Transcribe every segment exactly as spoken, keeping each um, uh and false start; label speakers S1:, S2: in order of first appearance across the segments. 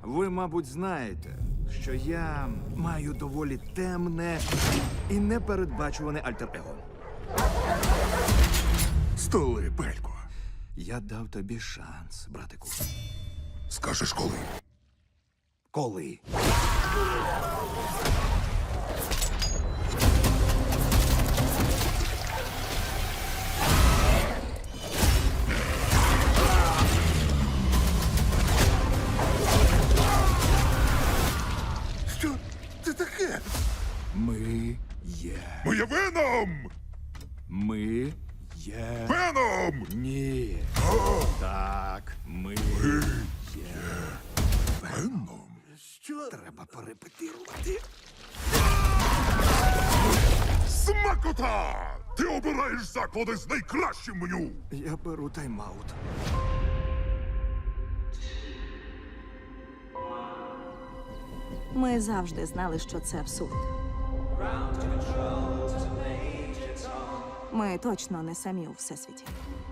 S1: Ви, мабуть, знаєте, що я маю доволі темне і непередбачуване альтер-его.
S2: Столи, Пелько.
S1: Я дав тобі шанс, братику.
S2: Скажеш коли?
S1: Коли?
S2: Що це таке?
S1: Ми є.
S2: Ми є Веном!
S1: Ми є.
S2: Веном!
S1: Ні. Так, ми є.
S2: Веном? Що?
S1: Треба перепетирувати.
S2: Смакота! Ти обираєш заклади з найкращим меню!
S1: Я беру тайм-аут.
S3: Ми завжди знали, що це абсурд. Ми точно не самі у всесвіті.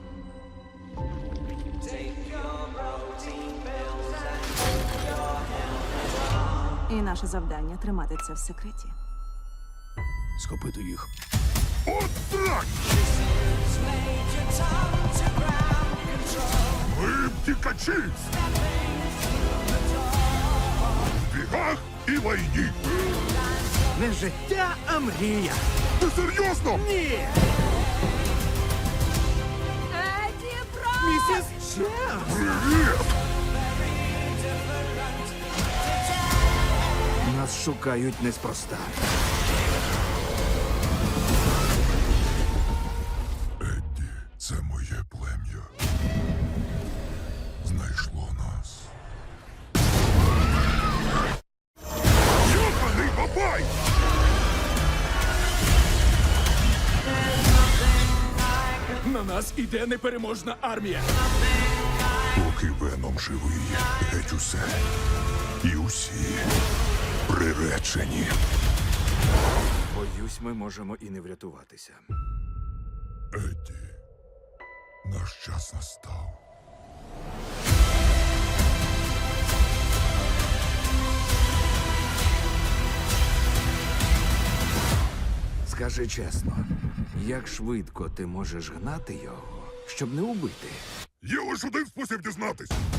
S3: І наше завдання тримати це в секреті.
S1: Схопити їх.
S2: От так! Ми втікачі! В бігах і лайні!
S1: Не життя, а мрія.
S2: Ти серйозно?
S1: Ні!
S3: Еді Бро!
S1: Місіс Чемс!
S2: Привіт!
S1: Нас шукають неспроста.
S2: Едді, це моє плем'я. Знайшло нас. Йоханий бабай!
S4: На нас іде непереможна армія.
S2: Поки Веном живий, геть усе. І усі приречені.
S1: Боюсь, ми можемо і не врятуватися.
S2: Едді, наш час настав.
S1: Скажи чесно, як швидко ти можеш гнати його, щоб не убити?
S2: Є лише один спосіб дізнатись.